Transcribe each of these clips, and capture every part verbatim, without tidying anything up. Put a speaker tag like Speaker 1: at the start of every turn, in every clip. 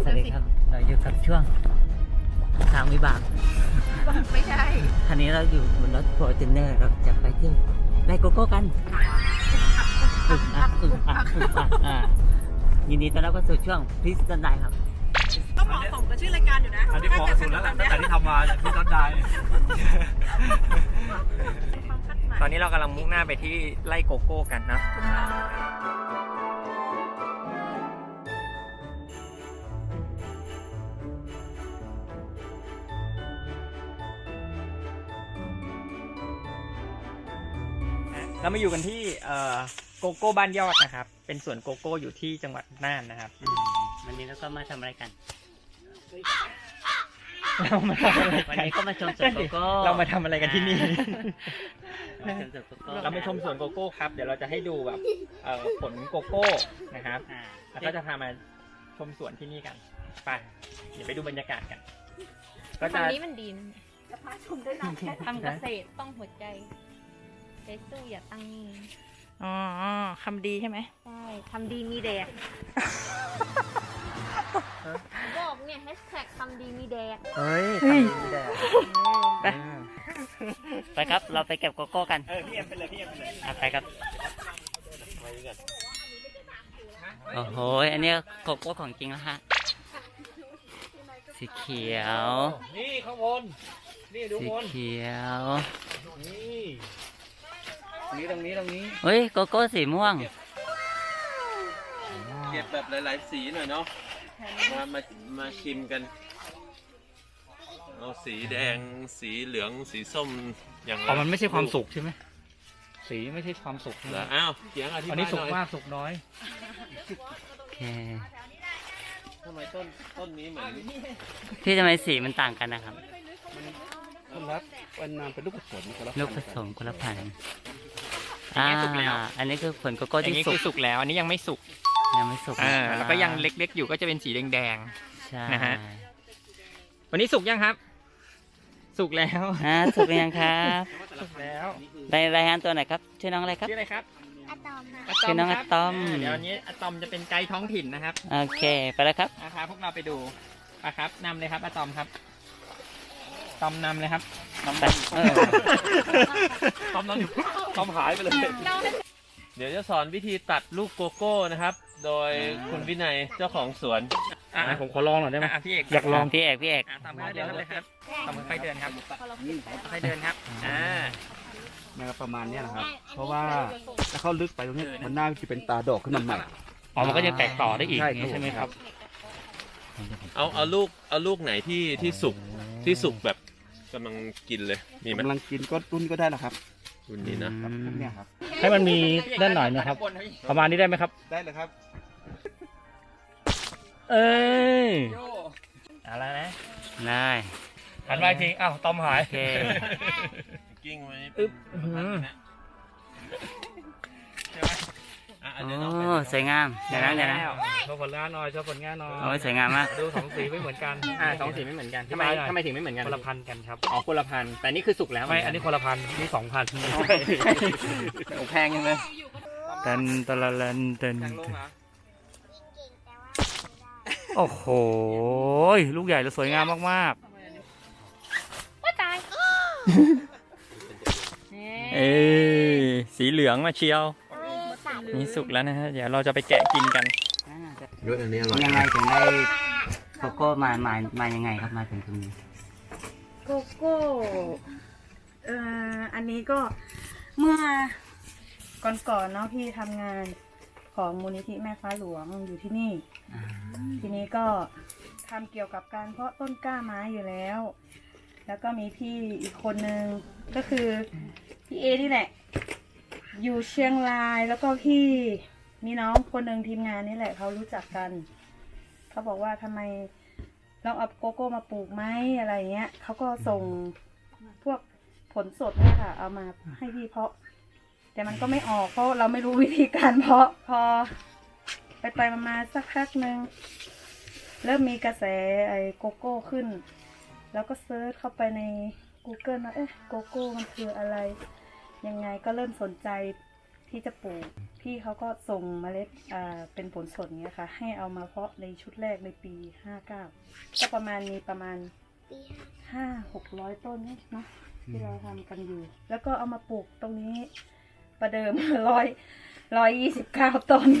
Speaker 1: วัสดีครับเราอยู่กับช่วงทางวิบาก
Speaker 2: ไม่ใช่
Speaker 1: คันนี้เราอยู่บนรถฟอร์จูเนอร์เราจะไปเที่ยวไร่โกโก้กันอึกอักอึกอักอึกอักอ่ายินดีต้อนรับเข้าสู่ช่วงพิสตันไดครับ
Speaker 2: ต้องเหมาะสมกับชื่อรายการอยู่นะ
Speaker 3: อันนี้เหมาะสุดแล้วตั้งแต่ที่ทำมาอย่างพิสตันไดตอนนี้เรากำลังมุ่งหน้าไปที่ไร่โกโก้กันนะเรามาอยู่กันที่โกโก้บ้านยอดนะครับเป็นสวนโกโก้อยู่ที่จังหวัดน่านนะครับ
Speaker 1: วันนี้เราก็มาทำอะไรกัน
Speaker 3: เรามาทำอะไร
Speaker 1: วัน
Speaker 3: กัน
Speaker 1: นี้ก็มาชมสวนโกโก้
Speaker 3: เรามาทำอะไรกันที่นี่
Speaker 1: เรา
Speaker 3: มาชมสวนโกโก้ครับเดี๋ยวเราจะให้ดูแบบผลโกโก้นะครับแล้วก็จะพามาชมสวนที่นี่กันไปเดี๋ยวไปดูบรรยากาศกัน
Speaker 4: ก็จะนี้มันดีนะจะพาชมได้นานแค่ทำเกษตรต้องหัวใจใช้สู้อย่าตั้งนิ่งอ๋อคำดีใช่ไหมใช่ทำดีมีแดกบอกเนี่ยแฮชแท็กทำดีมีแดก
Speaker 3: เฮ้ยทำดีมีแดก
Speaker 1: ไปไปครับเราไปเก็บโกโก้กัน
Speaker 3: เออพี่เอ็มไปเลยพี่เอ็มไปเลย
Speaker 1: ไปครับโอ้โหอันนี้โกโก้ของจริงแล้วฮะสีเขียว
Speaker 3: นี่ข้างบนนี่ดูบน
Speaker 1: สีเขียว
Speaker 3: นี่นี่ตรงนี้ตรงนี้
Speaker 1: เฮ้ยโกโก้สีม่วง
Speaker 5: เก็บแบบหลายๆสีหน่อยเนาะมามามาชิมกันเอาสีแดงสีเหลืองสีส้มอย่างไร
Speaker 3: อ๋อมันไม่ใช่ความสุกใช่ไหมสีไม่ใช่ความสุก
Speaker 5: เหรออ้าวเสียงอธิบายหน่อย
Speaker 3: อันนี้สุกมากสุกน้อย
Speaker 1: โอเค
Speaker 5: ทำไมต้นต้นนี้เหมือน
Speaker 1: พี่ทำไมสีมันต่างกันนะครับ
Speaker 5: คนละวันนามเป็นลูกผสมคนละ
Speaker 1: ลูกผสมคนละพันธุ์อ่าอันนี้คือผลโกโก้ที่
Speaker 3: สุกแล้วอันนี้ยังไม่สุก
Speaker 1: ยังไม่สุก
Speaker 3: อ่าแล้วก็ยังเล็กๆอยู่ก็จะเป็นสีแดงๆนะฮะวันนี้สุกยังครับสุกแล้ว
Speaker 1: อ่าสุกยังครับ
Speaker 3: สุกแล้ว
Speaker 1: รายงานตัวหน่อยครับชื่อน้องอะไรครับ
Speaker 3: ชื่ออะไรครับ
Speaker 4: อะตอม
Speaker 1: ชื่อน้องอะตอม
Speaker 3: เดี๋ยววันนี้อะตอมจะเป็นไกด์ท้องถิ่นนะครับ
Speaker 1: โอเคไปแล้วครับ
Speaker 3: พาพวกเราไปดูไปครับนำเลยครับอะตอมครับตอมนำเลยครับ
Speaker 1: ตอมไป
Speaker 3: ตอมนำอยู่ตอมหายไปเลย
Speaker 5: เดี๋ยวจะสอนวิธีตัดลูกโกโก้นะครับโดยคุณวินัยเจ้าของสวน
Speaker 3: อ่ะผมขอลองหน่อยได้ไหม
Speaker 1: พี่เอกอยากลองพี่เอกพี่เอก
Speaker 3: ตามมือเดินเลยครับตามมือค่อยเดินครับค่อยเดินครับอ่า
Speaker 6: นะครับประมาณนี้นะครับเพราะว่าถ้าเข้าลึกไปตรงนี้มันน่าจะเป็นตาดอกขึ้นมาใหม่
Speaker 1: อ๋อมันก็จะแตกต่อได้อีกใช่ไหมครับ
Speaker 5: เอาเอาลูกเอาลูกไหนที่ที่สุกที่สุกแบบกำลังกินเลยมีไหม
Speaker 6: กำลังกินก็รุ่นก็ได้แล้วครับ
Speaker 5: รุ่นนี้นะ
Speaker 6: เนี่ยครับ
Speaker 3: ให้มันมีด้านหน่อยนะครับประมาณนี้ได้ไหมครับ
Speaker 6: ได้เลยครับ
Speaker 3: เอ้ยอะไรนะ
Speaker 1: ได้
Speaker 3: หันมาจริงอ้าวตอมหาย
Speaker 5: กิ้งไว้
Speaker 3: อึ๊บ
Speaker 1: โอ้สวยงามเดี๋ยวนะเดี๋ยวนะ
Speaker 3: โชว์ผลงานหน่อยโชว์ผลงานหน่อย
Speaker 1: โอ้สวยงามมาก
Speaker 3: ดูสองสีไม่เหมือนกันอ่าสองสีไม่เหมือนกันทำไมทำไมถึงไม่เหมือนกันคนละพันกันครับอ๋อคนละพันแต่นี่คือสุกแล้วไม่อันนี้คนละพันนี่สองพันโอ้แพงยังเลย
Speaker 1: ตันตะละลันตันโอ้โหลูกใหญ่และสวยงามมาก
Speaker 4: ๆว่าตาย
Speaker 3: เอ้สีเหลืองมาเชียวนี่สุกแล้วนะฮะเดี๋ยวเราจะไปแกะกินกัน
Speaker 5: ด้วยอันนี้อร่อย
Speaker 1: ยังไงถึงได้โกโก้มามามายังไงครับมาถึงตรงนี้
Speaker 2: โกโก้เอ่ออันนี้ก็เมื่อก่อนๆเนาะพี่ทำงานของมูลนิธิแม่ฟ้าหลวงอยู่ที่นี่ทีนี้ก็ทำเกี่ยวกับการเพาะต้นกล้าไม้อยู่แล้วแล้วก็มีพี่อีกคนนึงก็คือพี่เอนี่แหละอยู่เชียงรายแล้วก็พี่มีน้องคนหนึ่งทีมงานนี่แหละเขารู้จักกันเขาบอกว่าทำไมเราเอาโกโก้มาปลูกไหมอะไรเงี้ยเขาก็ส่งพวกผลสดเนี่ยค่ะเอามาให้พี่เพาะแต่มันก็ไม่ออกเพราะเราไม่รู้วิธีการเพาะพอไปไปมาสักพักหนึ่งเริ่มมีกระแสไอ้โกโก้ขึ้นแล้วก็เซิร์ชเข้าไปใน Google ว่าเอ๊ะโกโก้มันคืออะไรยังไงก็เริ่มสนใจที่จะปลูกพี่เขาก็ส่งเมล็ดอ่าเป็นผลสดเงี้ยค่ะ ให้เอามาเพาะในชุดแรกในปีห้าเก้าก็ประมาณมีประมาณห้าหกร้อยต้นเนาะที่เราทำกันอยู่ แล้วก็เอามาปลูกตรงนี้ประเดิม ร้อยร้อยยี่สิบเก้าต้น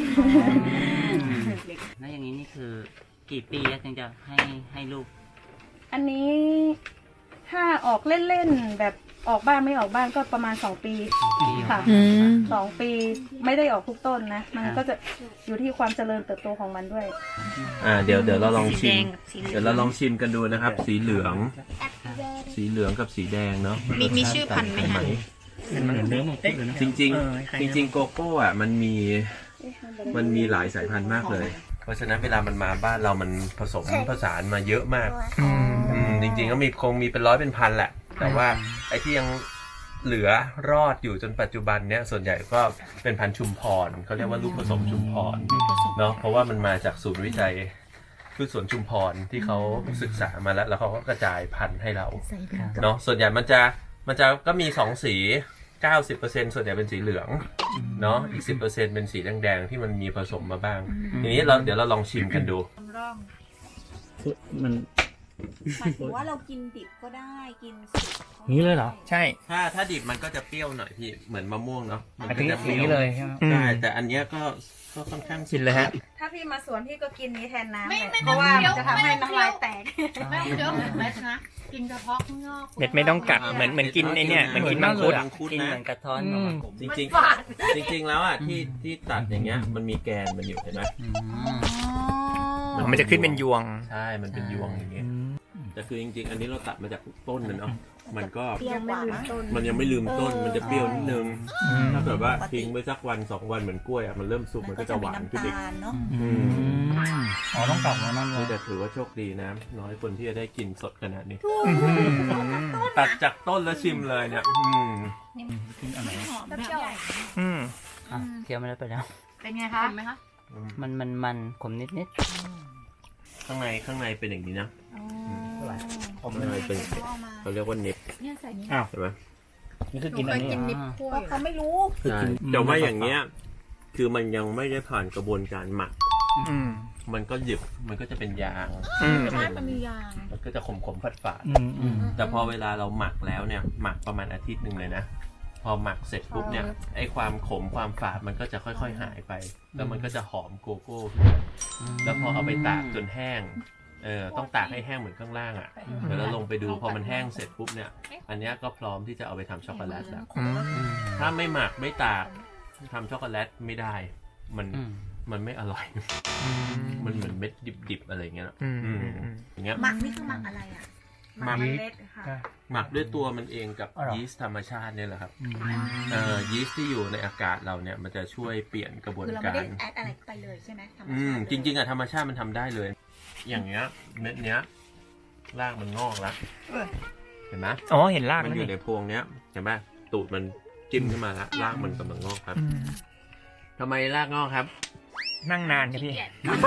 Speaker 1: แล้วอย่างนี้นี่คือกี่ปีแล้วถึงจะให้ให้ลูก
Speaker 2: อันนี้ถ้าออกเล่นๆแบบออกบ้างไม่ออกบ้างก็ประมาณสองปีค่ะ
Speaker 4: อืม
Speaker 2: สองปีไม่ได้ออกทุกต้นนะ มันก็จะอยู่ที่ความเจริญเติบโตของมันด้วย
Speaker 5: อ่าเดี๋ยวเดี๋ยวเราลองชิ
Speaker 4: สีแด
Speaker 5: ม
Speaker 4: งกับสีเหลือง
Speaker 5: เดี๋ยวเราลองชิมกันดูนะครับ สีเหลือง สีเหลืองกับสีแดงเนาะ
Speaker 4: มีมีชื่อพันธุ์ไหมคะ
Speaker 6: เป็นเหมือนเนื้อมังคุดเลยนะ
Speaker 5: จริงๆ จริง ๆ โกโก้อ่ะมันมีมันมีหลายสายพันธุ์มากเลย เพราะฉะนั้นเวลามันมาบ้านเรามันผสมผสานมาเยอะมากอืมจริงๆก็มีคงมีเป็นร้อยเป็นพันแหละ แต่ว่าไอ้ที่ยังเหลือรอดอยู่จนปัจจุบันเนี้ยส่วนใหญ่ก็เป็นพันธุ์ชุมพรเขาเรียกว่าลูกผสมชุมพรเนาะเพราะว่ามันมาจากศูนย์วิจัยพืชสวนชุมพรที่เขาศึกษามาแล้ว แล้วเขาก็กระจายพันธุ์ให้เราเนาะส่วนใหญ่มันจะมันจะก็มีสองสี เก้าสิบเปอร์เซ็นต์ ส่วนใหญ่เป็นสีเหลืองเนาะอีก สิบเปอร์เซ็นต์ เป็นสีแดงๆที่มันมีผสมมาบ้างทีนี้เราเดี๋ยวเราลองชิมกันดู
Speaker 6: มัน
Speaker 7: หมายถึงว่าเรากินดิบก็ได้กินสุกก็ได้
Speaker 3: นี้เลยเหรอ ใช่
Speaker 5: ถ้าถ้าดิบมันก็จะเปรี้ยวหน่อยพี่เหมือนมะม่วงเนาะมัน
Speaker 3: อัน
Speaker 5: ก็
Speaker 3: นี้
Speaker 5: จะเป
Speaker 3: สี
Speaker 5: รี้ยว
Speaker 3: เลยใช่ไหม
Speaker 5: ใช่แต่อันเนี้ยก็ก็ค่อนข้าง
Speaker 3: กินเลยฮะ
Speaker 2: ถ้าพี่มาสวนพี่ก็กินนี้แทนน้ำ
Speaker 4: ไม่
Speaker 2: เลย
Speaker 4: ไม่
Speaker 2: เพราะว่า
Speaker 4: ไม่
Speaker 2: มันจะทำให้น้ำลายแตก
Speaker 4: ไม่เดี๋ยวเม็ดนะ กินเฉพาะข้างนอก
Speaker 3: เม็ดไม่ต้องกัดเหมือนเหมือนกินไอเนี่ยเหมือนกินมังคุด
Speaker 5: มังคุด
Speaker 1: กิน
Speaker 5: นะ
Speaker 1: เหมือนกระท้อนออกมาขม
Speaker 5: จริงๆจริง ๆ แล้วอ่ะที่ที่ตัดอย่างเงี้ยมันมีแกนมันอยู่เห็นไหม
Speaker 1: อืม
Speaker 3: มันจะขึ้นเป็นยวง
Speaker 5: ใช่มันเป็นยวงอย่างเงี้ยแต่คือจริงๆ อันนี้เราตัดมาจากต้นนะเนาะมันก็
Speaker 2: ยังไม่ลืมต้น
Speaker 5: มันยังไม่ลืมต้นมันจะเปรี้ยวนิดนึง
Speaker 3: อืม
Speaker 5: ถ้าเกิดว่าทิ้งไว้สักวันสองวันเหมือนกล้วยอ่ะมันเริ่มสุกมันก็จะหวานขึ้นอีก
Speaker 7: น้ำตาลเนาะ
Speaker 5: อืม
Speaker 6: อ๋อต้องกลับแล้วนั่นเล
Speaker 5: เฮ้ย
Speaker 6: ย
Speaker 5: แต่ถือว่าโชคดีนะ น้อยคนที่จะได้กินสดขนาดนี้ ตัดจากต้นแล้วชิมเลยเนี่ยอืม
Speaker 4: หอมแบบใหญ่
Speaker 3: อืม
Speaker 1: อ่ะเคี้ยวไม่ได้ไปแล้ว
Speaker 2: เป็นไงคะ
Speaker 4: เห็นไหมคะ
Speaker 1: มันมันมันขมนิดนิด
Speaker 5: ข้างในข้างในเป็นอย่างนี้นะ
Speaker 6: ผม
Speaker 5: ข้างในเป็นอย่างนี้เขาเรียกว่าเน็ต
Speaker 4: เนี่ยใส่นี่
Speaker 5: ใช่ไหม
Speaker 6: นี่คือกินอันนี้
Speaker 4: กินนิบคั่ว
Speaker 7: เพราะเขาไม่รู้
Speaker 5: ใช่แต่ว่าอย่างเงี้ยคือมันยังไม่ได้ผ่านกระบวนการหมัก
Speaker 3: อืม
Speaker 5: มันก็หยึบมันก็จะเป็นยาง
Speaker 3: อืม
Speaker 4: ใช่มันมียาง
Speaker 5: มันก็จะขมขมๆฝาดฝาด
Speaker 6: อืมอืม
Speaker 5: ๆแต่พอเวลาเราหมักแล้วเนี่ยหมักประมาณอาทิตย์หนึ่งเลยนะ พอหมักเสร็จปุ๊บเนี่ยไอ้ความขมความฝาดมันก็จะค่อยๆหายไป แล้วมันก็จะหอมโกโก้ขึ้นมาแล้วพอเอาไปตากจนแห้งเออต้องตากให้แห้งเหมือนข้างล่างอ่ะเดี๋ยวเราลงไปดูพอมันแห้งเสร็จปุ๊บเนี่ยอันเนี้ยก็พร้อมที่จะเอาไปทำช็อกโกแลตแล้ว
Speaker 3: อืม
Speaker 5: ถ้าไม่หมักไม่ตากทำช็อกโกแลตไม่ได้ มัน
Speaker 1: อืม
Speaker 5: มันไม่อร่อย มันเหมือนเม็ดดิบๆอะไรอย่างเงี้ย
Speaker 3: อืม
Speaker 5: อืม
Speaker 3: อืม
Speaker 5: อย่างเงี้ย
Speaker 7: หมักนี่คือหมักอะไรอ่ะ
Speaker 2: หมักเมล็ดค่ะ
Speaker 5: หมักด้วยตัวมันเองกับ
Speaker 6: อ๋อเหรอ
Speaker 5: ยีสต์ธรรมชาติเนี่ยแหละครับเอ่อยีสต์ที่อยู่ในอากาศเราเนี่ยมันจะช่วยเปลี่ยนกระบวน
Speaker 7: คือเรา
Speaker 5: กา
Speaker 7: ไม่
Speaker 5: ร
Speaker 7: ได้แอดอะไรไปเลยใช่ไหมธรรม
Speaker 5: อื
Speaker 7: ชาม ติ
Speaker 5: จริง ๆอะธรรมชาติมันทำได้เลย อย่างเงี้ยเม็ดเนี้ยรากมันงอกแล้วเห็นไหม
Speaker 3: อ๋อเห็นราก
Speaker 5: มัน
Speaker 3: แล้ว
Speaker 5: อยู่
Speaker 3: นี่
Speaker 5: ในพวงเนี้ยเห็นไหมตูดมันจิ้มขึ้นมาแล้วรากมันกำลังงอกครับ
Speaker 3: อืม
Speaker 5: ทำไมรากงอกครับ
Speaker 3: นั่งนานครับพี่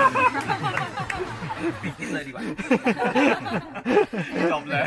Speaker 5: คิดเลยดีกว่าจบเลย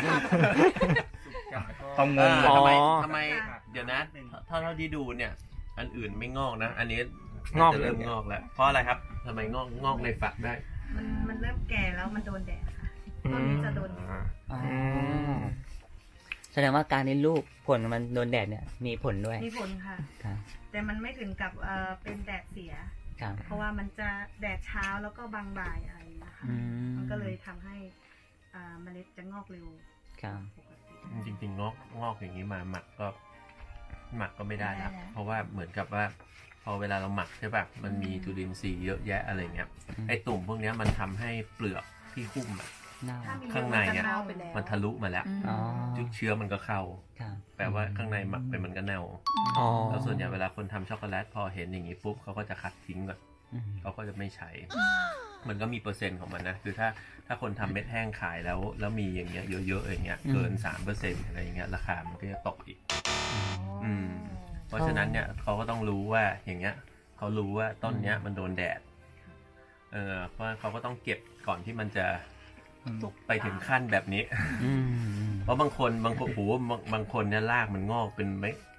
Speaker 6: ต้องงง
Speaker 5: เออทำไม
Speaker 3: อ๋อ
Speaker 5: ทำไมเดี๋ยวนะถ้าเท่าที่ดูเนี่ย อันอื่นไม่งอกนะ อันนี้
Speaker 3: งอก
Speaker 5: จะเริ่มงอกแล้ว เพราะอะไรครับทำไมงอกงอกในฝักได้
Speaker 2: มันมันเริ่มแก่แล้วมันโดนแดดค่ะต้นนี้จะโดน
Speaker 5: อ่า
Speaker 1: อ๋อ
Speaker 3: อืม
Speaker 1: แสดงว่าการที่ลูกผลมันโดนแดดเนี่ยมีผลด้วย
Speaker 2: มีผลค่ะ
Speaker 1: ครับ
Speaker 2: แต่มันไม่ถึงกับเอ่อเป็นแดดเสีย
Speaker 1: ครับ
Speaker 2: เพราะว่ามันจะแดดเช้าแล้วก็บางบ่ายอะไรอย่างเงี้ยค่ะ
Speaker 1: อืม
Speaker 2: มันก็เลยทำให้อ่าเมล็ดจะงอกเร็ว
Speaker 1: ครับ
Speaker 2: ปกติ
Speaker 5: จริงๆงอกงอกอย่างนี้มาหมักก็ หมักก็ไม่ได้แล้วเพราะว่าเหมือนกับว่า พอเวลาเราหมักใช่ป่ะมันมีจุลินทรีย์เยอะแยะอะไรเงี้ยไอ้ตุ่มพวกเนี้ยมันทำให้เปลือกที่หุ้มอะ
Speaker 1: เน่า
Speaker 2: ถ้มี
Speaker 5: ข้างในอะ
Speaker 2: มัจเน่าไปแล้ว
Speaker 5: มันทะลุมาแล้ว
Speaker 1: อ๋อ
Speaker 5: เชื้อมันก็เข้า
Speaker 1: ครับ
Speaker 5: แปลว่าข้างในหมักไปมันก็เน่า
Speaker 3: อ๋อ
Speaker 5: แล้วส่วนใหญ่เวลาคนทำช็อกโกแลตพอเห็นอย่างนี้ปุ๊บเขาก็จะคัดทิ้งก่อน
Speaker 1: อืม
Speaker 5: เขาก็จะไม่ใช้ มันก็มีเปอร์เซ็นต์ของมันนะ คือถ้าถ้าคนทำเม็ดแห้งขายแล้วแล้วมีอย่างเงี้ยเยอะๆอย่างเงี้ยเกินสามเปอร์เซ็นต์อะไรอย่างเงี้ยราคามันก็จะตกอีก อืม เพราะฉะนั้นเนี่ยเขาก็ต้องรู้ว่าอย่างเงี้ยเขารู้ว่าต้นเนี้ยมันโดนแดด เออเพราะเขาก็ต้องเก็บก่อนที่มันจะไปถึงขั้นแบบนี้
Speaker 1: อืม
Speaker 5: เพราะบางคนบางคนโอ้โหบางบางคนเนี่ยรากมันงอกเป็นไม่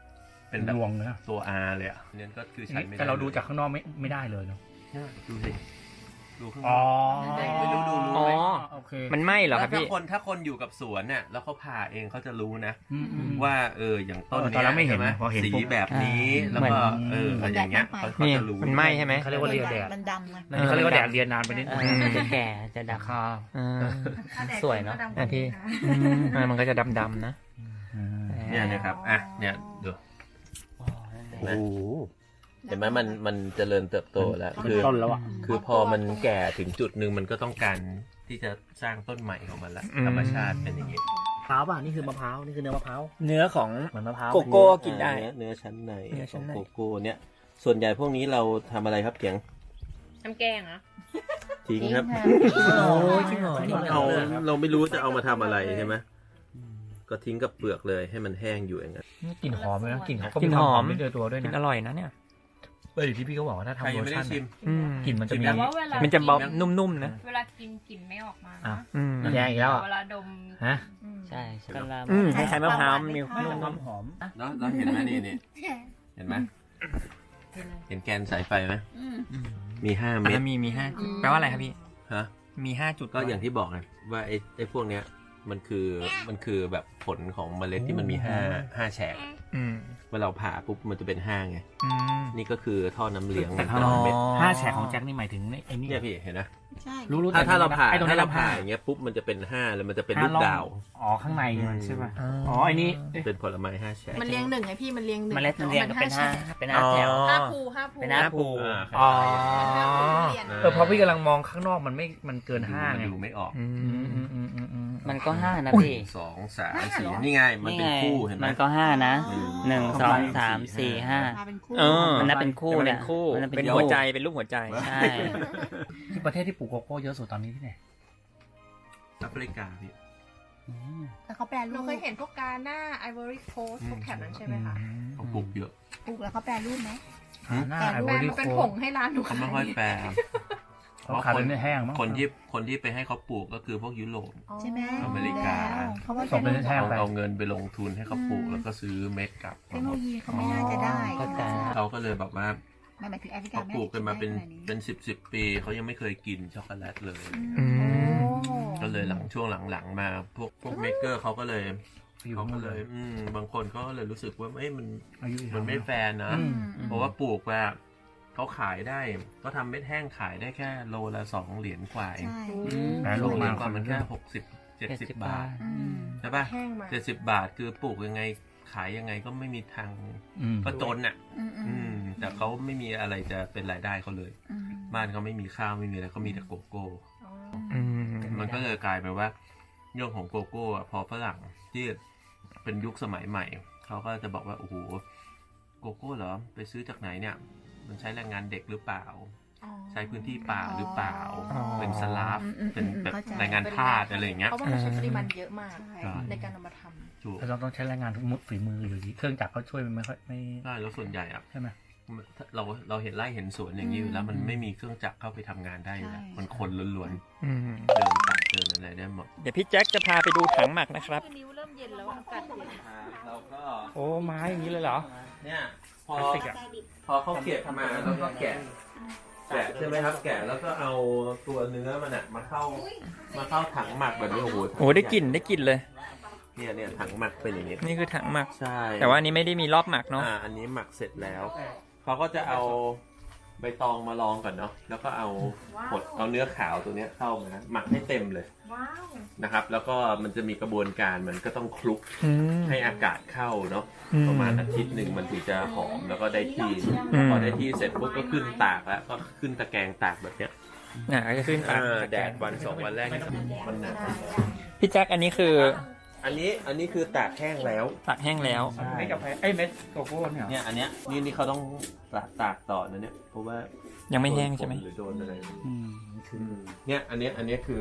Speaker 5: เป็นแบบ
Speaker 6: ดวงเลยนะ
Speaker 5: ตัว R เลยอ่ะเนี่ยก็คือใช้ไม่ได้
Speaker 6: แต่เราดูจากข้างนอกไม่ไม่ได้เลยเนาะ
Speaker 5: เนี่ยดูสิดูข้างน
Speaker 6: อ๋อ
Speaker 5: อกไม่รู้ดูรู้
Speaker 3: อ๋อ
Speaker 5: ไหม
Speaker 6: โอเค
Speaker 3: มันไหม้เหรอครับ
Speaker 5: ถ้า
Speaker 3: พี่
Speaker 5: คนถ้าคนอยู่กับสวนเนี่ยแล้วเขาผ่าเองเขาจะรู้นะ
Speaker 6: อืมอืม
Speaker 5: ว่าเอออย่างต้น
Speaker 6: เออต
Speaker 5: เนี้
Speaker 6: อนแรกไม่เห็น
Speaker 5: ใช่
Speaker 6: นะพอเห็น
Speaker 5: สี
Speaker 6: ปุ๊บ
Speaker 5: แบบนี้
Speaker 3: อ่า
Speaker 5: แล้วก็
Speaker 6: เหมือน
Speaker 5: เอออะไรอย่างเงี้ยเขาเขา
Speaker 3: นี่
Speaker 5: จะรู้
Speaker 3: มันไหม้ใช่ไหม
Speaker 6: เขาเรียกว่าเรียนแดด
Speaker 7: มันดำไง
Speaker 6: นั่นเขาเรียกว่าแดดเรียนนานไปนิด
Speaker 1: เออจะแก่จะด
Speaker 6: ราคา
Speaker 3: อ่า
Speaker 1: สวยเนอะ
Speaker 3: อ่ะพี่ อืมอ่ามันก็จะดำๆนะ
Speaker 1: ำ
Speaker 5: เนี่ยนะครับอ่ะเนี่ยดู
Speaker 1: อ๋อนั่นแหละ
Speaker 5: เห็นไหมเห็นไหมมันมันเจริญเติบโตแล้วคือ
Speaker 6: ต้นแล้วอ่ะ
Speaker 5: คือพอมันแก่ถึงจุดหนึ่งมันก็ต้องการที่จะสร้างต้นใหม่ของมันละ
Speaker 3: อืม
Speaker 5: ธรรมชาติเป็นอย่างนี้
Speaker 6: มะพร้าวป่ะนี่คือมะพร้าวนี่คือเนื้อมะพร้าว
Speaker 3: เนื้อของ
Speaker 6: เหมือนมะพร้าว
Speaker 3: โกโก้กินได้
Speaker 5: เนื้อเนื้อชั้นใน
Speaker 3: เนื้อชั้นใน
Speaker 5: ของโกโก้เนี่ยส่วนใหญ่พวกนี้เราทำอะไรครับเกียง
Speaker 4: น้ำแกงเหรอ
Speaker 5: ทิ้งครับ
Speaker 3: โอ้ยจริงเหรอ
Speaker 5: เอาเราไม่รู้จะเอามาทำอะไรใช่ไหมก็ทิ้งกับเปลือกเลยให้มันแห้งอยู่อย่างนั้น
Speaker 6: กลิ่นหอมเลยนะกลิ่นเขาก็
Speaker 3: กลิ่นหอม
Speaker 6: ไม่เจอตัวด้วย
Speaker 3: กิน
Speaker 6: นะ
Speaker 3: อร่อยนะเนี่ย
Speaker 6: เอออยู่ที่พี่เขาบอกว่าถ้า
Speaker 5: ใคร
Speaker 6: ทำ
Speaker 5: ยั
Speaker 6: โล
Speaker 5: งไม่ได้
Speaker 6: ชั่น
Speaker 5: ชิม
Speaker 3: อืม
Speaker 6: กลิ่นมันจะมี
Speaker 4: แต่ว่าเวลา
Speaker 3: มันจะเบานุ่มๆนะ
Speaker 4: เวลากินกลิ่นไม่ออกมา
Speaker 6: อ่ะ
Speaker 4: นะ
Speaker 3: อืม
Speaker 6: แย่อีกแล้วอ่ะ
Speaker 4: เวลาดม
Speaker 6: ฮะ
Speaker 4: อืม
Speaker 1: ใช่ช็อกโกแลต
Speaker 3: อืมคล้ายๆมะพร้าวมี
Speaker 6: ไม่
Speaker 3: นุ่ม
Speaker 6: หอมหอม
Speaker 5: แล้วแล้วเห็นไหมนี่นี่เห็นไหมเห็นแกนสายไฟไหม
Speaker 7: อืม
Speaker 5: มีห้า
Speaker 3: ๆ
Speaker 5: เม็ด
Speaker 3: อ่ะมีมีห้าจุดแปลว่าอะไรครับพี่
Speaker 5: ฮะ
Speaker 3: มีห้าจุด
Speaker 5: ก็อย่างที่บอกไงว่าไอ้ไอ้พวกเนี้ยมันคือมันคือแบบผลของเมล็ดที่มันมีห้าห้าแฉก
Speaker 3: อืม
Speaker 5: เมื่อเราผ่าปุ๊บมันจะเป็นห้าไง
Speaker 3: อืม
Speaker 5: นี่ก็คือท่อน้ำเลี้ยงมัน
Speaker 6: แต่
Speaker 5: แต่
Speaker 6: ถ้า
Speaker 5: ละเม็ด
Speaker 6: ห้าแฉกของแจ็คนี่หมายถึงไอ้นี่
Speaker 5: เนี่ยพี่เห็นนะ
Speaker 7: ใช่
Speaker 6: รู้รู้
Speaker 5: ถ้าถ้าเราผ่า
Speaker 6: ไอ้ตรง
Speaker 5: ถ้า
Speaker 6: นี้
Speaker 5: เรา
Speaker 6: เรา
Speaker 5: ผ่า
Speaker 6: ผ่า
Speaker 5: อย่างเงี้ยปุ๊บมันจะเป็นห้าแล้วมันจะเป็น
Speaker 6: ห้า
Speaker 5: ลูก
Speaker 6: ร่อง
Speaker 5: ดาว
Speaker 6: อ๋อข้างในมันใช่ป่ะ
Speaker 3: อ๋อ
Speaker 6: อ๋อไอ้นี่
Speaker 5: เป็นผลไม้ห้าแฉก
Speaker 4: มันเรียงหนึ่งไงพี่มันเรียงหนึ่ง
Speaker 1: เมล็ดมันเรียงกันเป็นห้าเป็นห้าแถว
Speaker 3: อ๋อ
Speaker 4: ห้าภูห้าภู
Speaker 1: เป็นห้าภู
Speaker 5: อ่า
Speaker 6: อ๋อ
Speaker 4: ห้าภูเรียน
Speaker 6: เออพอพี่กำลังมองข้างนอกมันไม่มันเกินห้า
Speaker 5: มัน
Speaker 6: ไง
Speaker 5: ดูไม่ออก
Speaker 3: อื
Speaker 6: อื
Speaker 3: ม
Speaker 6: มอืมอืมอืมอืม
Speaker 1: มันก็ห้านะพี่
Speaker 5: สองสามสี่นี่ไงมันเป็นคู่เห็นไหม
Speaker 1: มันก็ห้านะหนึ่งสองสามสี่ห้า
Speaker 7: มาเป็นคู่
Speaker 3: เออ
Speaker 1: มันนับเป็นคู่
Speaker 3: มั
Speaker 1: เนี่
Speaker 3: เป็
Speaker 1: ย
Speaker 3: นคู่
Speaker 1: มันนับ
Speaker 3: เป็นหัวใจ เป็นรูปหัวใจ
Speaker 1: ใช่
Speaker 6: ที่ประเทศที่ปลูกโกโก้เยอะสุดตอนนี้ที่ไหน
Speaker 5: แอฟริกาพี่
Speaker 7: แต่เขาแปล
Speaker 4: ห
Speaker 7: รู
Speaker 4: นู
Speaker 7: ป
Speaker 4: เคยเห็นพวกกาหน้าไอวอรี่โคสพวกแถบนั้นใช่ไหมคะ
Speaker 5: เขาปลูกเยอะ
Speaker 7: ปลูกแล้วเขาแปลรูปไหม
Speaker 6: หน้า
Speaker 7: แต่
Speaker 6: ไอ
Speaker 7: รู
Speaker 6: โอ
Speaker 4: แปล
Speaker 6: ริ
Speaker 4: มา
Speaker 6: โค
Speaker 4: เป็นผงให้ร้านหนู
Speaker 5: เขาไม่ค่อยแปล
Speaker 6: เขาขายเป็นแห้งมั้ง
Speaker 5: คนที่คนที่ไปให้เขาปลูกก็คือพวกยุโรป
Speaker 7: ใช่ไหม
Speaker 5: อเมริกา
Speaker 7: แล้วเขาว่า
Speaker 6: ส่งเป็นแห้ง
Speaker 5: เอา
Speaker 6: ไป
Speaker 5: เอาเงินไปลงทุนให้เขาปลูกแล้วก็ซื้อเม็ดกลับ
Speaker 7: เทคโนโลยีเขาไม่น่าจะได้
Speaker 1: เข้าใจ
Speaker 5: เขาก็เลยแบบว่า
Speaker 7: ไม่หมายถึงแอฟริกา
Speaker 5: เขาปลูกกันมาเป็น
Speaker 7: ไได้
Speaker 5: เป็นสิบสิบปีเขายังไม่เคยกินช็อกโกแลตเลย
Speaker 3: อืม
Speaker 5: ก็เลยหลังช่วงหลังๆมาพวกพวกเมกเกอร์เขาก็เลย
Speaker 6: อยู่
Speaker 5: เขา
Speaker 6: หม
Speaker 5: ก็
Speaker 6: ด
Speaker 5: เล
Speaker 6: เลย ย
Speaker 5: อืมบางคนก็เลยรู้สึกว่าเอ้ยมัน
Speaker 6: อายุ
Speaker 5: มันไม่แฟร์นะ
Speaker 6: อืม
Speaker 5: เพราะว่าปลูกว่าเขาขายได้ก็ทำเม็ดแห้งขายได้แค่โลละสองเหรียญกว่าเอง
Speaker 7: ใช่
Speaker 6: แปร
Speaker 5: ส
Speaker 6: รู
Speaker 5: อ
Speaker 6: ป
Speaker 5: งเหรี
Speaker 6: มาย
Speaker 5: ญกว่ามันแค่หกสิบเจ็ด
Speaker 1: เจ็ด
Speaker 5: สิบ
Speaker 1: สิบบ
Speaker 5: บา
Speaker 1: บา
Speaker 5: ท
Speaker 1: ท
Speaker 7: อืม
Speaker 5: ใช่ปะ
Speaker 4: แห้งมา
Speaker 5: เจ็ดสิบบาทคือปลูกยังไงขายยังไงก็ไม่มีทาง
Speaker 6: อืม
Speaker 5: ก็จนอ่ะ
Speaker 7: อืมอื
Speaker 5: อื
Speaker 7: ม
Speaker 5: ม แต่เขาไม่มีอะไรจะเป็นรายได้เขาเลย
Speaker 7: อืม
Speaker 5: บ้านเขาไม่มีข้าวไม่มีอะไรเขามีแต่โกโก้
Speaker 3: อืม
Speaker 5: มันก็เลยกลายเป็นว่าเรื่องของโกโก้อะพอฝรั่งที่เป็นยุคสมัยใหม่เขาก็จะบอกว่าโอ้โหโกโก้เหรอไปซื้อจากไหนเนี่ย มันใช้แรงงานเด็กหรือเปล่า ใช้พื้นที่ป่าหรือเปล่า เป็นสลาฟเป็นแบบแรงงานทาสอะไรอย่างเงี้ย
Speaker 4: เพราะว่ามันใช้ปริมาณเยอะมาก
Speaker 7: ใช่
Speaker 4: ในการนำมาทำ
Speaker 5: ถูก
Speaker 6: เราต้องใช้แรงงานมุดฝีมืออยู่ดีเครื่องจักรเขาช่วยมันไม่ค่อยไม่
Speaker 5: ใช่แล้วส่วนใหญ่อะ
Speaker 6: ใช่ไหม
Speaker 5: เราเราเห็นไร่เห็นสวนอย่างนี้อยู่แล้ว มันไม่มีเครื่องจักรเข้าไปทำงานได้อยู่แล้วมันคนล้วน
Speaker 3: อืม
Speaker 5: ๆเดินตัดเดินอะไรได้หมด
Speaker 3: เดี๋ยวพี่แจ็คจะพาไปดูถังหมักนะครับ
Speaker 4: คือนิ้วเริ่มเย็นแล้วอากาศเย็น
Speaker 5: เราก็
Speaker 3: โอ้ไม้อย่างนี้เลยเหรอ
Speaker 5: เนี่ยพอ
Speaker 6: พลาสติกอะ
Speaker 5: พอเขาเก็บมาแล้วก็แกะแกะใช่ไหมครับ แกะแล้วก็เอาตัวเนื้อมันอะมาเข้ามาเข้าถังหมักแบบนี้โอ้โห
Speaker 3: โอ้ได้กลิ่นได้กลิ่นเลย
Speaker 5: เนี่ยเนี่ยถังหมักเป็นอย่างนี้
Speaker 3: นี่คือถังหมัก
Speaker 5: ใช่
Speaker 3: แต่ว่าอันนี้ไม่ได้มีรอบหมักเนาะ
Speaker 5: อ่าอันนี้หมักเสร็จแล้วเขาก็จะเอาใบตองมาลองก่อนเนาะแล้วก็เอาผดเอาเนื้อขาวตัวเนี้ยเข้ามาหมักให้เต็มเลยนะครับ แล้วก็มันจะมีกระบวนการมันก็ต้องคลุก
Speaker 3: อืม
Speaker 5: ให้อากาศเข้าเนาะ
Speaker 3: อืม
Speaker 5: ประมาณอาทิตย์หนึ่งมันถึงจะหอมแล้วก็ได้ที่
Speaker 3: อืม
Speaker 5: พอได้ที่เสร็จปุ๊บก็ขึ้นตากแล้วก็ขึ้นตะแกรงตากแบบเนี้ย
Speaker 3: อ่าก็จะขึ้นตาม
Speaker 5: อ่าแดดวันสองวันแรกนี่มันหนาว
Speaker 3: พี่แจ็คอันนี้คือ
Speaker 5: อันนี้อันนี้คือตากแห้งแล้ว
Speaker 3: ตากแห้งแล้ว
Speaker 6: ไม่กาแฟไอ้เม็ดโกโก้เนี่ย
Speaker 5: เนี่ยอันเนี้ยนี่นี่เขาต้องตากตากต่อนะเนี่ยเพราะว่า
Speaker 3: ยังไม่แห้งใช่ไหม
Speaker 5: โดนฝนหรือโดนอะไร
Speaker 6: อืมคือ
Speaker 5: เนี่ยอันเนี้ยอันเนี้ยคือ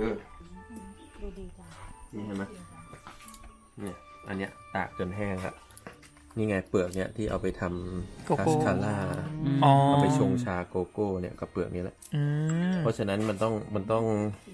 Speaker 5: นี่เห็นไหมเนี่ยอันเนี้ยตากจนแห้งครับนี่ไงเปลือกเนี่ยที่เอาไปท
Speaker 3: โก
Speaker 5: ำคา
Speaker 3: โก้
Speaker 5: สคาร่า
Speaker 3: อ๋อ
Speaker 5: เอาไปชงชาโกโก้เนี่ยกับเปลือกนี้แหละ
Speaker 3: อืม
Speaker 5: เพราะฉะนั้นมันต้องมันต้องถ้า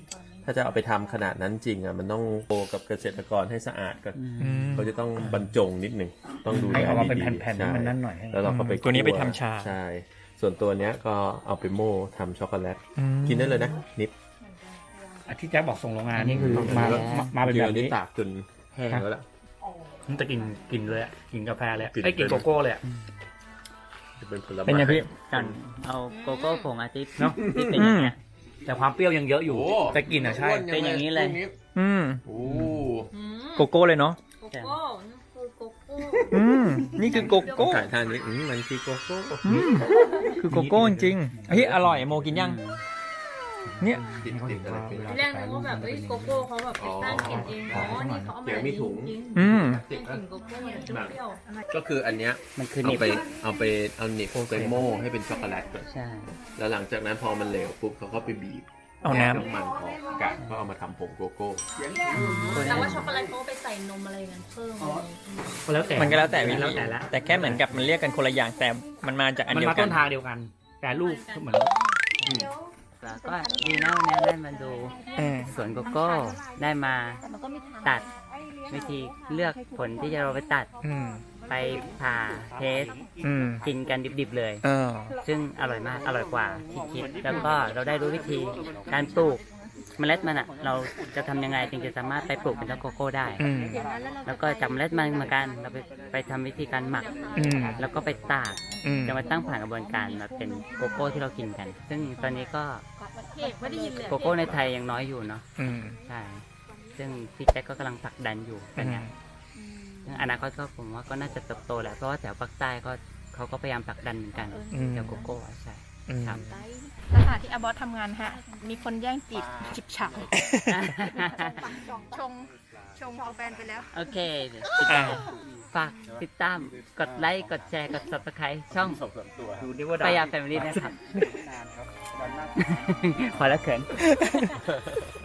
Speaker 5: าจะเอาไปทำขนาดนั้นจริงอ่ะมันต้องโตกับเกษตรกรให้สะอาดก่อน
Speaker 1: อืม
Speaker 5: เขาจะต้องบรรจงนิดหนึ่งต้องดูแล
Speaker 3: ให้ออกมาเป็น
Speaker 5: ดีๆ
Speaker 3: แผ่นๆ
Speaker 5: ใช่
Speaker 3: มันนั่นหน่อยให้
Speaker 5: แล้วเราก็ไป
Speaker 3: ตัวนี้ไป
Speaker 5: คั่
Speaker 3: ทำชา
Speaker 5: ใช่ ส่วนตัวเนี้ยก็เอาไปโม่ทำช็อกโกแลตกินได้เลยนะนิบ
Speaker 3: อ่ะที่แจ๊คบอกส่งโรงงาน
Speaker 1: อันนี้คือ
Speaker 3: มามามาเป็น
Speaker 5: เดี๋
Speaker 3: แบ
Speaker 5: ยว
Speaker 3: บ
Speaker 5: นี้
Speaker 3: นี้
Speaker 5: ตากจนแห้งแล้วล่ะ
Speaker 3: มันจะกินกินเลยอะกินกาแฟเลยอะ
Speaker 5: กิน
Speaker 3: ไอ้ยกินโกโก้เลยอะ
Speaker 5: จะเป็นผลไม้
Speaker 3: เป็นไงพี่
Speaker 1: กันเอาโกโก้ผงอาทิตย์
Speaker 3: เนอะ
Speaker 1: ที่เป็นอย่างเงี้ย
Speaker 3: แต่ความเปรี้ยวยังเยอะอยู่
Speaker 5: โอ้
Speaker 3: แต่กลินอะใช่
Speaker 1: เป็นอย่างนี้เลย
Speaker 3: อืม
Speaker 5: โอ้
Speaker 3: โกโก้เลยเนาะ
Speaker 4: โกโก้นั่นคือโกโก้
Speaker 3: อืมนี่คือโกโก้
Speaker 5: ถ่ายทานนี้อืมมันคือโกโก้
Speaker 3: อืมคือโกโก้จริงๆเฮ้ยอร่อยโมกินยัง เนี่ย
Speaker 5: ติดติดอะไรไป
Speaker 4: ทีแรกนึกว่าแบบเอ้ยโกโก้เขาแบบไปสร้างกลิ่นเองอ๋อนี่เขาเอามา
Speaker 5: เดี๋ยวมีถุง
Speaker 4: จริง
Speaker 3: อืม
Speaker 4: ๆเป็นกลิ่นโกโก้เนี่ยเปรี้ยวๆ
Speaker 5: ก็คืออันเนี้ย
Speaker 1: มันคือ
Speaker 5: เอา
Speaker 1: นิบ
Speaker 5: ไปเอาไปเอาหนิบไปโม่ให้เป็นช็อกโกแลตก่อน
Speaker 1: ใช่
Speaker 5: แล้วหลังจากนั้นพอมันเหลวปุ๊บเขาก็ไปบีบ
Speaker 3: เอาน้ำ
Speaker 5: แยกน้ำมันออกกะก็เอามาทำผงโกโก้
Speaker 4: แต่ว่าช็อกโกแลตเขาไปใส่นมอะไรกันเพิ่มอะไร
Speaker 3: แล้วแต่
Speaker 8: มันก็แล้วแต่วิธี
Speaker 3: แล้วแต่ละ
Speaker 8: แต่แค่เหมือนกับมันเรียกกันคนละอย่างแต่มันมาจากอัน
Speaker 3: มัน
Speaker 8: เดียว
Speaker 3: มา
Speaker 8: กั
Speaker 3: ต้
Speaker 8: น
Speaker 3: นทางเดียวกัน แต่ลูกเหมือน
Speaker 1: แล้วก็ดีนะวันนี้ได้มาดู
Speaker 8: เออ
Speaker 1: สวนโกโก้ได้มาตัดวิธีเลือกผลที่จะเราไปตัด
Speaker 8: อืม
Speaker 1: ไปผ่าเทส
Speaker 8: อืม
Speaker 1: กินกันดิบๆเลย
Speaker 8: เออ
Speaker 1: ซึ่งอร่อยมาก อร่อยกว่าที่คิด แล้วก็เราได้รู้วิธีการปลูกเมล็ดมันอ่ะ เราจะทำยังไงถึงจะสามารถไปปลูกเป็นต้นโกโก้ได้
Speaker 8: อืม
Speaker 1: แล้วก็จับเมล็ดมันเหมือนกัน เราไปไปทำวิธีการหมัก
Speaker 8: อืม
Speaker 1: แล้วก็ไปตาก
Speaker 8: อืม
Speaker 1: จะมาตั้งผ่านกระบวนการมาเป็นโกโก้ที่เรากินกัน ซึ่งตอนนี้ก็
Speaker 4: ไม่ได้ยินเลย
Speaker 1: โกโก้ในไทยยังน้อยอยู่เนาะ
Speaker 8: อืม
Speaker 1: ใช่ ซึ่งพี่แจ็คก็กำลังผลักดันอยู่เป็นไงซึ่งอนาคตก็ผมว่าก็น่าจะเติบโตแหละ เพราะว่าแถวภาคใต้ก็เขาก็พยายามผลักดันเหมือนกัน
Speaker 8: อืม
Speaker 1: แถวโกโก้อะใช่
Speaker 8: อืม
Speaker 1: ครับ
Speaker 4: สถานที่อาบอสทำงานฮะ มีคนแย่งจีบจิบฉาบชง ชงเอาแฟนไปแล้ว
Speaker 1: โอเคเดี๋ยวติดตามฝากติดตาม กดไลค์ กดแชร์ กด subscribe ช่อง
Speaker 3: ดูดิว่า
Speaker 1: ปายาแฟมิลี่นะครับ พอแล้วเขิน